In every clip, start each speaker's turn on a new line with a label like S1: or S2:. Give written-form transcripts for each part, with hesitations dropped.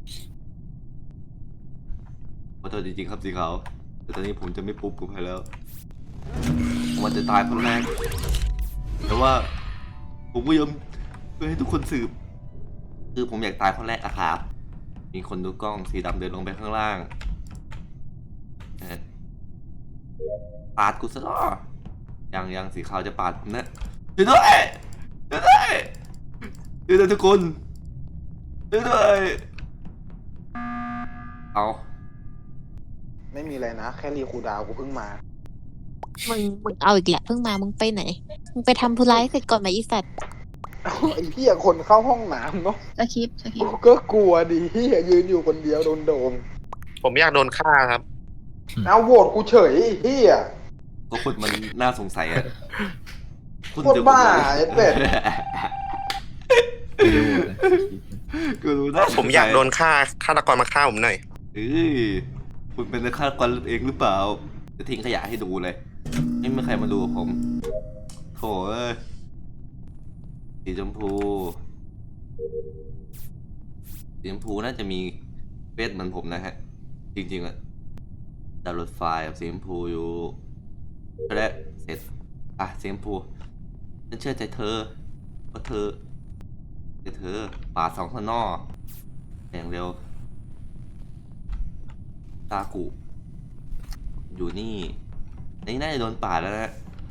S1: ขอโทษจริงๆครับสีขาวแต่ตอนนี้ผมจะไม่ปุ๊บกับใครแล้วผมจะตายคนแรกแต่ว่าผมก็ยอมเพื่อให้ทุกคนสืบคือผมอยากตายคนแรกอะครับมีคนดูกล้องสีดำเดินลงไปข้างล่างปาดกูซะหรอยังสีขาวจะปาดผมนะช่วยด้วยช่วยด้วยช่วยด้วยทุกคนช่วยด้วยเอา
S2: ไม่มีอะไรนะแค่รีคูลดาวน์กูเพิ่งมา
S3: มึงเอาอีกแหละเพิ่งมามึงไปไหนมึงไปทำธุระให้เสร็จก่อนไหมอีสัตว์
S2: ไอ้เหี้ยคนเข้าห้องน้ำเนาะ
S3: สคริปต์
S2: กูก็กลัวดิเหี้ยยืนอยู่คนเดียวโดนโดม
S4: ผมอยากโดนฆ่าครับ
S2: เอาโหวตกูเฉยไอ้เหี้ย
S1: ก็คุณมันน่าสงสัยอะ
S2: โคตรบ้าไอ้เป็ด
S1: กูรู้นะ
S4: ผมอยากโดนฆ่าฆาตกรมาฆ่าผมหน่อย
S1: เอ้ยคุณเป็นนักฆาตกรเองหรือเปล่า จะทิ้งขยะให้ดูเลย ไม่มีใครมาดูผมโถ่เอ้ยสีชมพูสีชมพูน่าจะมีเฟซเหมือนผมนะฮะ จริงๆอะดาวน์โหลดไฟล์กับสีชมพูอยู่ก็ได้เสร็จอ่ะสีชมพูฉันเชื่อใจเธอเพราะเธอปาดสองข้างนอกอย่างเร็วตากุอยู่นี่น่าจะโดนปาดแล้วนะ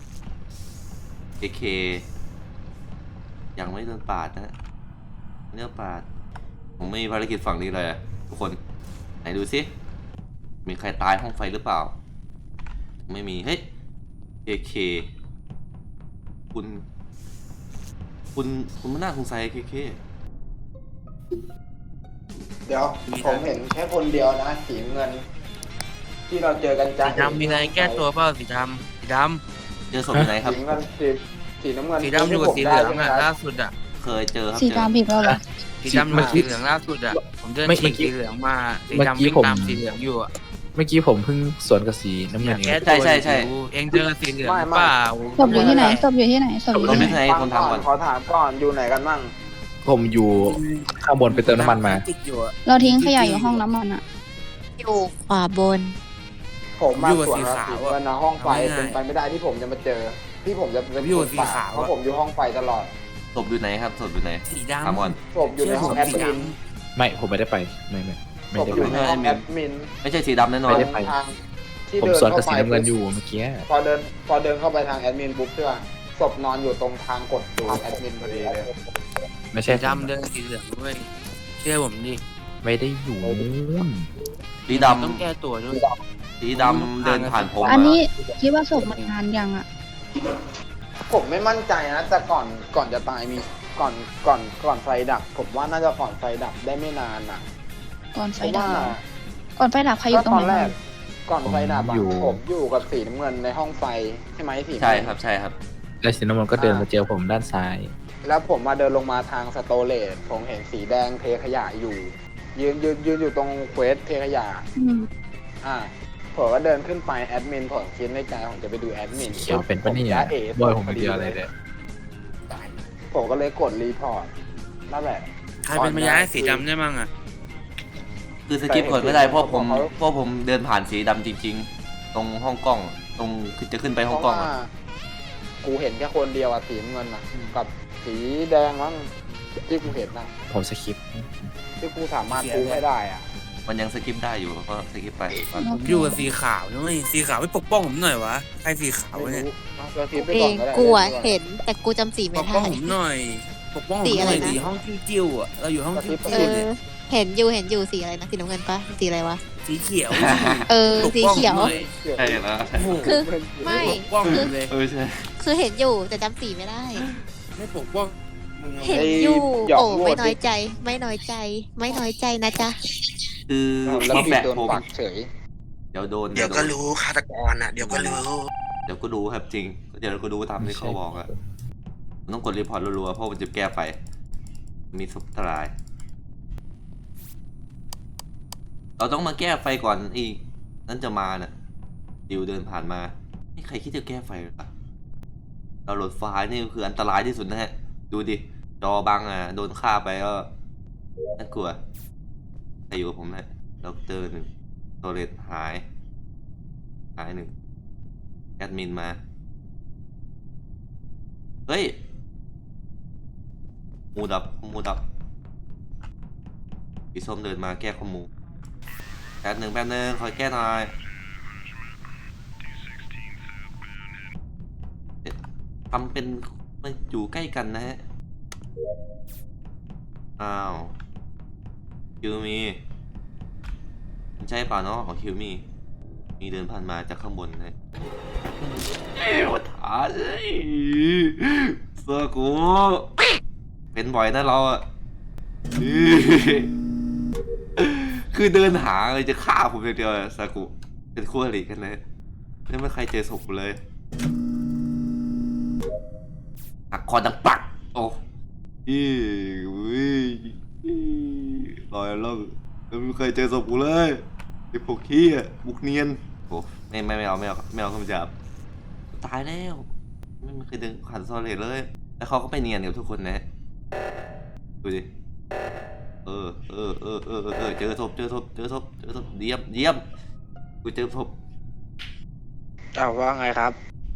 S1: เคยังไม่โดนปาดนะเลือกปาดผมไม่มีภารกิจฝั่งนี้เลยอะทุกคนไหนดูสิมีใครตายห้องไฟหรือเปล่าไม่มีเฮ้ยเคคุณมันน่าสงสัยเค
S2: เดี๋ยวผมเห็นแค่คนเดียวนะสีเงิน ที่เราเจอกันจ้า
S5: สีดำมีอะไรแก้ตัวเปล่าสีดำ
S1: เจอศพที่ไหนครับ
S2: สีเงินสีน้ำเงิน
S5: สีดำอยู่กับสีเหลืองอ่ะล่าสุดอ่ะ
S1: เคยเจอครับ
S3: สี
S1: เจอ
S3: ดำอีกแล้วเหรอ
S5: สีดำอยู่สีเหลืองล่าสุดอ่ะ ผมเดินฉีกสีเหลืองมาสีดำวิ่งตามสีเหลืองอยู่อ่ะ
S6: เมื่อกี้ผมเพิ่งสวนกับสีน้ำ
S5: อ
S6: เงิ
S5: ยาน ก
S6: เอง
S5: แก้ตัวอยู่เองเจอสีเหลืองเปล่า
S3: ศพอยู่ที่ไหนศพอยู่ที่ไหนศพอยู่
S1: เรา
S3: ที่
S1: ไม่
S3: ไหน
S1: ใช่คนทำก่อน
S2: ขอถามก่อนอยู่ไหนกันมั่ง
S6: ผมอยู่ข้างบนไปเติมน้ำมันมา
S5: ติดอยู่อะ
S3: เราทิ้งขยะอยู่ห้องน้ำมันอะอยู่ขวาบน
S2: ผมมาสวนกับสีเงินนะห้องไฟเป็นไปไม่ได้ที่ผมจะมาเจอ ที่ผมจะเป็นคนปาดเพราะผมอยู่ห้องไฟตลอด
S1: ศพอยู่ไหนครับศพอยู่ไหน
S5: สี
S1: ถาม
S5: ดำ
S1: ก่อน
S2: ศพอยู่ในห้องแอดมิน
S6: ไม่ผมไม่ได้ไปไม่
S2: ศพ
S6: ได้
S2: อยู่
S6: ไป
S2: ในห้องแอดมิน
S1: ไม่ใช่สีดำแน่นอน
S6: ไม่ได้ไป
S2: ทางที่
S6: ผม
S2: เดิน
S6: สวนกับ
S2: เข้า
S6: สี
S2: ไป
S6: น้ำเงินอยู่เมื่อกี้
S2: พอเดินเข้าไปทางแอดมินปุ๊บใช่ป่ะศพนอนอยู่ตรงทางกดดูแอดมินพอดีเลย
S6: ไม่ใช่
S5: สีดำเดินสีเหลืองด้วยเชื่อผมดิ
S6: ไม่ได้อยู่นู่น
S1: สี
S5: ต้องแก้ตัวด้วย
S1: สีดำเดินผ่านผม
S3: อันนี้คิดว่าศพมันนานยังอะ
S2: ผมไม่มั่นใจนะแต่ก่อนจะตายมีก่อนไฟดับ ผมว่าน่าจะก่อนไฟดับได้ไม่นานอ่ะ
S3: ก่อนไฟ
S2: เพราะ
S3: ดับ
S2: ว่า
S3: เหรอก่อนไฟดับใครอยู่ตรง
S2: ต
S3: ไห
S2: อน นแร
S3: บ้าง
S2: กก่อนไฟดับอะผมอยู่กับสีน้ำเงินในห้องไฟใช่ไหมสีน้ำ
S1: ใช่
S2: เงิน
S1: ครับใช่ครับ
S6: แล้วสีน้ำมันก็เดินมาเจอผมด้านซ้าย
S2: แล้วผมมาเดินลงมาทางสโตเลตผมเห็นสีแดงเทขยะอยู่ ยืนอยู่ตรงเควสเทขยะ
S3: อืม
S2: อ่าผมก็เดินขึ้นไปแอดมินผมคิดในใจผมจะไปดูแอดมิน
S6: เขียวเป็นปะเนี่ย
S2: จ๊ะเอ๋
S6: บอยผมไม่เดียวอะไรเลย
S2: ผมก็เลยกดรีพอร์ตนั่นแหละ
S5: ใครเป็นพยานให้สีดำได้มั่งอ่ะ
S1: คือสกิปก่อนไม่ได้เพราะผมเดินผ่านสีดำจริง ๆ ตรงห้องกล้องตรงคือจะขึ้นไปห้องกล้อง
S2: เพ
S1: อะ
S2: ราะว่ากูเห็นแค่คนเดียวอะสีน้ำเงินอะกับสีแดงมั้งที่กูเห็นนะ
S6: ผมสคิป
S2: ที่กูสามารถกูไม่ได้อะ
S1: มันยังสกิปได้อยู่ก็สกิปไปก่อน
S5: ผมอยู่กับสีขาวด้วยสีขาวไม่ปกป้องผมหน่อยวะใครสีขาว
S2: ไม่
S5: เนี่ย
S2: รู้เอาตัวคลิปไป
S3: เอ
S2: ก่อน
S3: ง
S2: ก็ได้
S3: กูอะเห็นแต่กูจำสี
S5: ป
S3: ไม่
S5: กป้อง
S3: ได้
S5: ผมหน่อยปกป้องผม
S3: สี
S5: ห
S3: อะไร
S5: น่อย
S3: นะ
S5: สีห้องจิ้วๆอ่ะเราอยู่ห้องจิ้ว
S3: เอ
S5: ๆ
S3: อ
S5: เนี่ย
S3: เห็นอยู่สีอะไรนะสีน้ำเงินปะสีอะไรวะ
S5: สีเขียว
S3: เออ
S5: ปก
S3: สี
S5: ป้อง
S3: เขียว
S5: ผมหน่อย
S1: ใช่แล้วใช่
S5: โอ้โห
S3: คือไม่
S5: ปกป้องผมเลย
S1: ใช่
S3: คือเห็นอยู่แต่จำสีไม่ได้
S5: ไม่ปกป้องมึง
S3: เห็น
S5: เอา
S3: อยู่
S2: หยอก
S3: โอ้
S2: โหว
S3: ไม่
S2: ต
S3: น้อยใจ ไม่น้อยใจ ไม่น้อยใจนะจ๊ะ
S1: คือ
S2: แล้ว
S1: ฟีด
S2: พี่
S1: แบ็ก
S2: โดน
S1: ผม
S2: ปักเฉย
S1: เดี๋ยวโดน
S4: เดี๋ยวก็รู้ฆาตกรอ่ะ เดี๋ยวก็รู้
S1: เดี๋ยวก็ดูครับจริง เดี๋ยวก็ดูตามที่เขาบอกอะมันต้องกดรีพอร์ตรัวๆเพราะมันจะแก้ไฟมีสุขทลาย เราต้องมาแก้ไฟก่อนอีกนั่นจะมาน่ะดิวเดินผ่านมาไม่ใครคิดจะแก้ไฟหรอเราโหลดไฟล์นี่คืออันตรายที่สุดนะฮะ ดูดิ จอบังอ่ะ โดนฆ่าไปก็น่ากลัวรอยู่กับผมนะด็อกเตอร์หนึ่งโซเลตหายหนึ่งแอดมินมาเฮ้ยมูดับสีส้มเดินมาแก้ข้อมูลแป๊บหนึ่งคอยแก้หน่อยทำเป็นมันอยู่ใกล้กันนะฮะอ้าวคิวมีมันใช่เปล่าเนาะของคิวมีเดินผ่านมาจากข้างบนนะเอ้ยถาเลยเสื้อกูเป็นบ่อยนะเราอะคือเดินหาเลยจะฆ่าผมอย่างเดียวซากุเป็นคู่อริกันเลยไม่มีใครเจอศพกูเลยหักคอดังปักโอ้ลอยล่องไม่มีใครเจอศพกูเลยไอ้พวกขี้อ่ะบุกเนียนโอ้ไม่เอาคำจับตายแล้วไม่มีใครเดินผ่านซอเลตเลยแล้วเขาก็ไปเนียนกับทุกคนนะดูดิเจอศพเยี่ยมกูเจอศพ
S2: ว่าไงครับ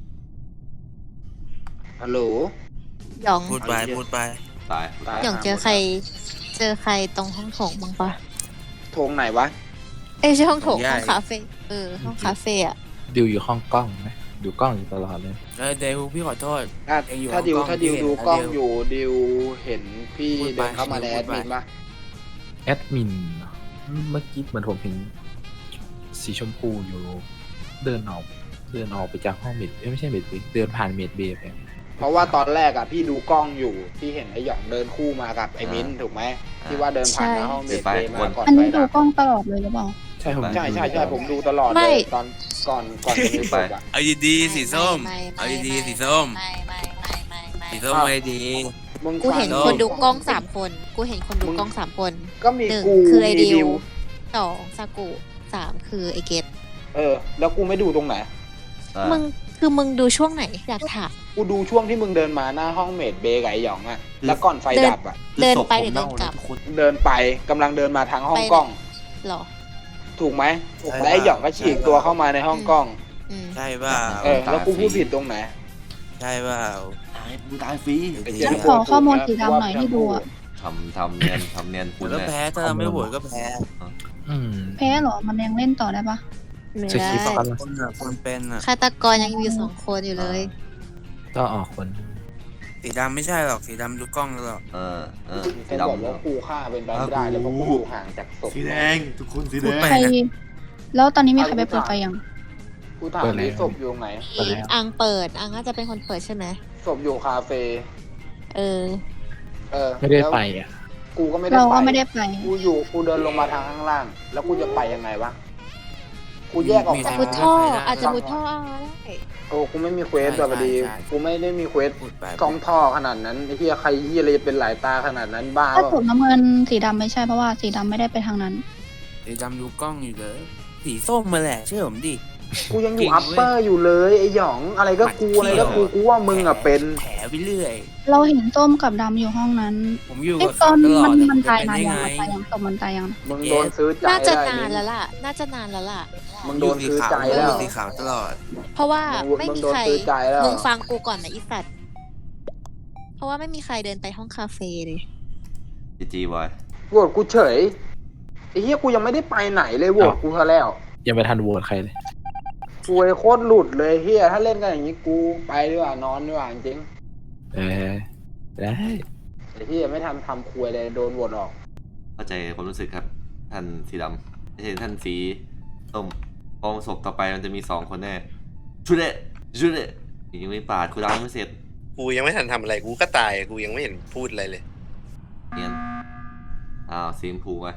S2: ฮัลโหล
S3: หยอง
S5: พูดไป
S1: ตาย
S3: หยองเจอใครตรงห้องโถงบ้างปะ
S2: โทงไหนวะ
S3: เอ้ยไม่ใช่ห้องโถงห้องคาเฟ่ห้องคาเฟ่อะ
S6: ดิวอยู่ห้องกล้องไหมดูกล้องอยู่ตลอดเลย
S5: เดวพี่ขอโทษ เองอยู่
S2: ถ้าดิว
S5: ห้องกล้อง
S2: ถ้าดิว
S5: พี่เห็น
S2: ดูกล้อง
S5: แล้ว
S2: อยู่ดิวเห็นพี่
S5: พูดไป
S2: เดินเข้ามาในแอดมินปะ
S6: แอดมินเมื่อกี้เหมือนผมเห็นสีชมพูอยู่เดินออกไปจากห้องเมดไม่ใช่เมดเบย์เดินผ่านเมดเบย์ไป
S2: เพราะว่าตอนแรกอะพี่ดูกล้องอยู่พี่เห็นไอ้หยองเดินคู่มากับไอ้มิ้นถูกไหมที่ว่าเดินผ่านหน้าห้องเมดเบย์มาก่อน
S7: อัน
S2: ไป
S7: นี้ดู
S2: ดับ
S7: กล้องตลอดเลยหรือเปล่า
S6: ใช่ผม
S2: ใช่ผมดูตลอดเลยตอนก่อนจะมีศพอะ
S5: เอาดีๆสีส้ม เอาดีๆสีส้ม
S3: ไม่
S5: สีส้มไม่ดี
S2: มึง
S3: กูเห็น
S2: ฟัง
S3: คนดูกล้อง3 คนกูเห็นคนดูกล้อง3 คน
S2: ก็มี
S3: 1
S2: กู
S3: คือไอ
S2: มี
S3: ดิว2ซากุ3คือไอเกต
S2: แล้วกูไม่ดูตรงไหน
S3: มึงดูช่วงไหนอยากถาม
S2: กูดูช่วงที่มึงเดินมาหน้าห้องเมดเบย์กับไอ้หยองอะแล้วก่อนไฟดับอะ
S3: เดินไปหรือเดินกลับ
S2: เดินไปกำลังเดินมาทางห้องกล้อง
S3: หรอ
S2: ถูกไหมและไอ้หยองก็ฉีกตัวเข้ามาในห้องกล้อง
S3: อืม
S5: ใช่เปล่า
S2: แล้วกูพูดผิดตรงไหน
S5: ใช่เปล่า
S1: ตายฟรี
S7: งั้นขอข้อมูลสีดำหน่อยที่ดูอะ
S1: ทำเนียน
S5: กูก็แพ้ถ้าเราไม่โหวตก็แพ้
S6: อืม
S7: แพ้เหรอ มันยังเล่นต่อได้ปะ
S3: ไม่
S6: จะ
S3: ได้
S6: คิดว่า
S5: คนเป็นอ่ะ
S3: ฆาตกรยังอยู่2 คนอยู่เลย
S6: ก็ออกคน
S5: สีดำไม่ใช่หรอกสีดำดูกล้องตลอด
S1: สี
S2: เขาบอก
S1: ดำ
S2: ว่ากูฆ่าเป็นไปไม่ได้แล้วเพราะกูอยู่ห่างจากศพ
S1: สีแดงทุกคนสีแด
S5: พูด
S1: ง
S5: ไป
S7: ใคร แล้วตอนนี้มีใครไปเปิดไฟยัง
S2: กูถามที่ศพอยู่ตรงไหน
S6: ไปแล้ว
S3: อังเปิดอังน่าจะเป็นคนเปิดใช่ไหม
S2: ศพอยู่คาเฟ่
S3: เออ
S6: ไม่ได้ไปอ่ะ
S2: กูก็ไม่ได้
S7: เราก็
S2: ไป
S7: ไม่ได้ไป
S2: กูเดินลงมาทางข้างล่าง แล้วกูจะไปยังไงวะกูแยกออก
S5: มี
S2: มา
S5: ใคร
S3: มุดท่ออาจจะมุดท่อได้
S2: โอ้กูไม่มีเควสแบบดีกูไม่ได้มีเควส
S5: พูดไป
S2: กล้องท่อขนาดนั้นไอ้เหี้ยใครเหี้ยอะไรจะเป็นหลายตาขนาดนั้นบ้า
S7: ถ้า
S2: เป
S7: ถู
S2: ล่าก
S7: น้ำเงินสีดำไม่ใช่เพราะว่าสีดำไม่ได้ไปทางนั้น
S5: สีดำดูกล้องอยู่เลย สีส้มมาแหละเชื่อผมดิ
S2: กูยังอยู่อัปเปอร์อยู่เลยไอ้หยองอะไรก็กูกูว่ามึงอะเป็น
S5: แผลไปเรื่อย
S7: เราเห็นส้มกับดำอยู่ห้องนั้น
S5: ผมอยู่
S7: ไอ้
S5: กับ
S7: ตอน
S5: ตลอด
S7: มันตาย
S5: เป็น
S7: นาน
S5: ได้
S7: ยัง
S5: ไง
S7: ตายยังศพมันตายยัง
S2: มึงโดนซื้อใจ
S3: น่าจะ
S2: ได้
S3: นานแล้วล่ะ น่าจะนานแล้วล่ะ
S2: มึงโดนซื้อใจ
S5: แล้
S2: แล้ว ว
S5: สีขาวตลอด
S3: เพราะว่าไม่
S2: มึง
S3: มี
S2: โดน
S3: ใคร
S2: ซื้อใจแล้ว
S3: มึงฟังกูก่อนนะอีสัตว์เพราะว่าไม่มีใครเดินไปห้องคาเฟ่เลย
S1: จีบอย
S2: โหวตกูเฉยไอ้เหี้ยกูยังไม่ได้ไปไหนเลยโหวตกูซะแล้ว
S6: ยังไม่ทันโหวตใครเลย
S2: กูไอ้โคตรหลุดเลยเฮียถ้าเล่นกันอย่างนี้กูไปดีกว่านอนดีกว่าจริง
S6: ได้
S2: ไอ้เฮียไม่ทำคุยเลยโดนโหวตออก
S1: เข้าใจความรู้สึกครับ ท่านสีดำไม่ใช่ท่านสีส้มพอศพต่อไปมันจะมี2 คนแน่ชุดเดะยังไม่ปาดกูดาวไม่เสร็จ
S4: กูยังไม่ทันทำอะไรกูก็ตายกูยังไม่เห็นพูดอะไรเลย
S1: เนียนสีชมพูมา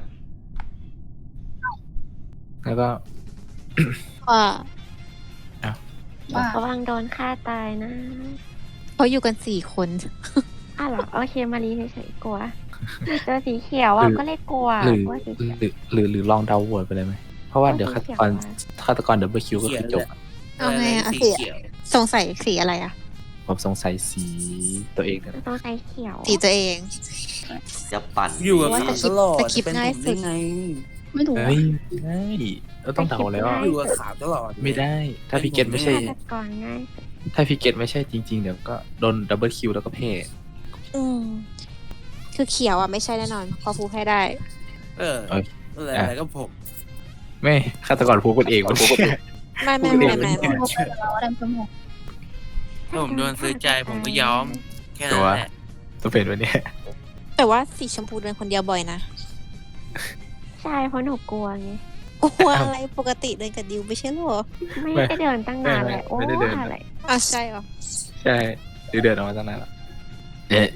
S6: แล้วก็
S3: ว่า
S7: ว่า
S8: ระวังโดนฆ่าตายนะ
S3: เขาอยู่กัน4 คน
S8: อ้าวเหรอ โอเค มารีเฉยๆกลัวเจอสีเขียวอ่ะ ก็เลยกลัว
S6: หรือ
S8: ว่าสีเขียว
S6: หรือลองเดาโหวตไปเลยไหมเพราะว่าเดี๋ยวฆาตกรดับเบิลคิวก็คือจบ
S3: เอาไงอะ
S5: สี
S3: สี
S5: เขียว
S3: สงสัยสีอะไรอะ
S6: ผมสงสัยสีตัวเองนะ
S8: ต้องใช้เขียว
S3: สีตัวเอง
S1: จะปั่น
S5: อยู่กับ
S3: ว่า
S5: ขาว
S3: ส
S5: ตลอด
S3: คริปต์ง่ายสุด
S5: เป็นผมไง
S7: ไม่ถูก
S6: เฮ้ยไม่ได้เราต้องเดาแล้ว
S5: อยู่กับขาวตลอด
S6: ไม่ได้ ถ้าพี่เกตไม่ใช่
S8: ฆาตกรง่าย
S6: ถ้าพี่เกตไม่ใช่จริงๆเดี๋ยวก็โดนดับเบิลคิวแล้วก็เพ่
S3: อืมคือเขียวอ่ะไม่ใช่แน่นอนพอฟูให้ได้
S5: อะไรก็ผม
S6: ไม่ฆาตกรพูดคนเองมันพูดคนเอง
S3: ไม่
S7: เราได้ชมพู
S5: ถ้าผมโดนซื้อใจผมก็ยอม แค่นั้นแหละ
S6: ต้องเป็นวันนี้
S3: แต่ว่าสีชมพูเดินคนเดียวบ่อยนะ
S8: ใช่เพราะหนูกลัวไง
S3: กลัวอะไรปกติเดินกับดิวไม่ใช่หรอ
S8: ไม่ได้เดินตั้งนานเลยโอ้อะไร
S3: อ่ะใช่เหรอ
S6: ใช่เดือนออกมาตั้งนานแล้วเอ๊ะ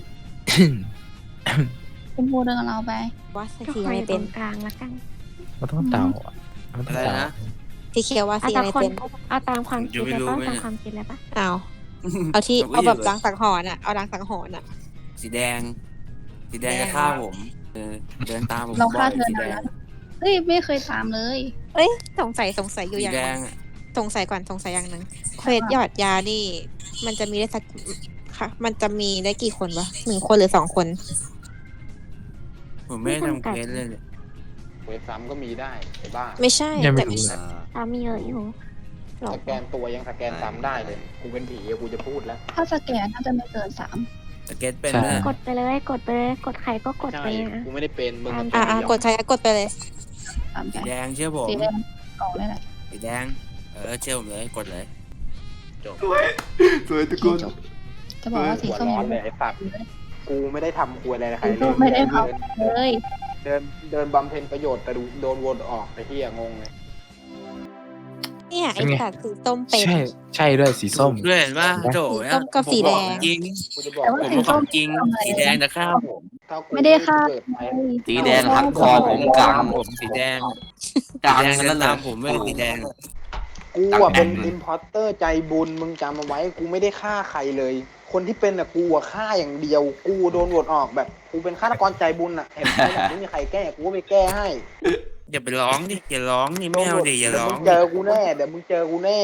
S7: ชมพูเดินกับเราไป
S3: ว่าสี
S8: ก็ค
S3: อะ
S8: อ
S3: ไร
S8: ยต
S3: เป็
S8: ร
S3: น
S8: งกลางละกัน
S6: มันต้องเดาอ่ะมันต้อง
S5: อะไร
S6: เดา
S5: นะ
S3: สีเขียวว่า
S8: เอา
S3: สี
S8: ตา
S3: อะไร
S8: คน
S3: เป็น
S8: เอาตามความคิด
S5: ไม่
S8: เลย
S5: รู้
S8: ป่ะ
S5: ไม่
S8: ตาม
S5: รู้
S8: ความคิดเลยป่ะ
S3: เอาที่
S5: ผมก็
S3: เอาแบบ
S5: อยู่
S3: ล้างสังหรณ์อ่ะเอาล้างสังหรณ์อ่ะ
S5: สีแดงจะฆ่าผมเดินตามผม
S7: เรา
S5: บ่
S7: ฆ่า
S5: อย
S7: เธอ
S5: สีแด
S7: นาน
S5: ง
S7: เฮ้ยไม่เคยตามเลย
S3: เอ้ยสงสัยอยู่
S5: สี
S3: อย่าง
S5: แด
S3: หนึ
S5: ง
S3: งสงสัยก่อนสงสัยอย่างหนึ่งเควสหยอดยานี่ มันจะมีได้สักค่ะ มันจะมีได้กี่คนวะ1 คนหรือ2 คน
S5: ผมไม่ได้ทำเควสเลย
S2: เวทซ้ำก็มีได้ไอ้บ้า
S3: ไม่ใช่
S6: ยังไม่
S3: แต่
S6: รู้เลย
S8: ตามมีเยอะอยู่หรอ
S2: สแกนตัวยังสแกนซ้ำได้เลย กูเป็นผีอะกูจะพูดแล้ว
S7: ถ้าสแกนน่าจะไม่เกิน3
S5: สเก็ตเป็น
S6: ใช่
S5: ไหม
S8: กดไปเลยกดไปเลยกดใครก็กด
S2: ใช่
S8: ไปนะ
S2: กูไม่ได้เป็นมึงมัน
S3: อ่ะกดใช้กดไปเลย
S7: ตาม
S5: สี
S7: ไป
S5: แดงเชื่อผม
S7: สีแดงออกเลยแหละ
S5: สีแดงเชื่อผมเลยกดเลย
S1: สวยทุกคน
S7: จะบอกว่าสี
S2: หัว
S7: ส้ม
S2: ร้อนเลยไอ้สัตว์กูไม่ได้ทำควยอะไรใคร
S7: สี
S2: เล
S7: ส้ม
S2: ย
S7: ไม่ได้ท
S2: เดิน
S7: ำเลย
S2: เดินบำเพ็ญประโยชน์แต่โดนวนออกไอ้เหี้ยงงเลย
S3: เนี่ยไอ้
S6: เป็นไง
S3: สัตว์สีส้มเป็น
S6: ใช่ด้วยสีส้ม
S5: ด้วยเห็นป่ะโถ
S3: สีส้มกับสีแดง
S5: จริง
S2: กูจะบอก
S7: แต่ว่า
S5: ผม
S7: สี
S5: เป็นค
S7: ส้
S5: วาม มจริงสีแดงจะฆ่าผม
S2: ถ้ากู
S7: ไม่ได้ฆ่า
S2: เกิดไป
S1: สีแดงหักคอผมกลาง
S5: ผมสีแดง
S1: กลาง
S5: แดง
S1: นั่น
S5: จะ
S1: เล
S5: ตาย มผมด้วยสีแดง
S2: กูอะเป็นอิมพอร์เตอร์ใจบุญมึงจำเอาไว้กูไม่ได้ฆ่าใครเลย คนที่เป็นอะกูอะฆ่าอย่างเดียว กูโดนโหวตออกแบบกูเป็นฆาตกรใจบุญอะเห็นไหมแบบไม่มีใครแก้กูก็ไปแก้ให้
S5: อย่าไปร้องดิอย่าร้องนี่ไม่เอาดิอย่าร้อง
S2: เดี๋ยวมึงเจอกูแน่เดี๋ยวมึงเจอกูแน่